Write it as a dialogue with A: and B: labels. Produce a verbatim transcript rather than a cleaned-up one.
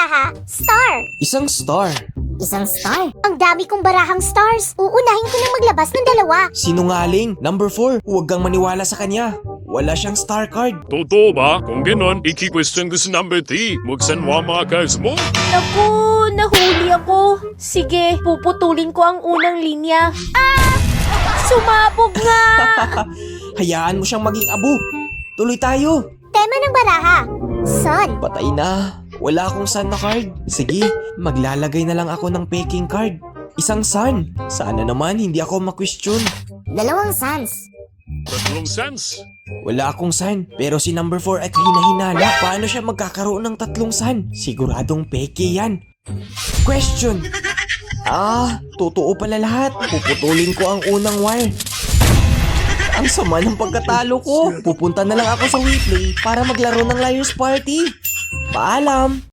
A: baraha, star.
B: Isang star.
A: Isang star? Ang dami kong barahang stars. Uunahin ko na maglabas ng dalawa.
B: Sinungaling. Number four, huwag kang maniwala sa kanya. Wala siyang star card.
C: Totoo ba? Kung ganon, iki-question ko sa number three. Magsanwa mga cards mo.
D: Naku, nahuli ako. Sige, puputulin ko ang unang linya. Ah! Sumabog nga!
B: Hayaan mo siyang maging abo. Tuloy tayo.
A: Tema ng baraha, sun.
B: Patay na. Wala akong sun na card. Sige, maglalagay na lang ako ng peking card. Isang sun. Sana naman hindi ako ma-question.
A: Dalawang suns.
C: Tatlong cents.
B: Wala akong sun, pero si number four ay hinahinala. Paano siya magkakaroon ng tatlong sun? Siguradong peke yan. Question. Ah, totoo pala lahat. Puputulin ko ang unang wire. Ang sama ng pagkatalo ko. Pupunta na lang ako sa WePlay para maglaro ng Liar's Party. Paalam!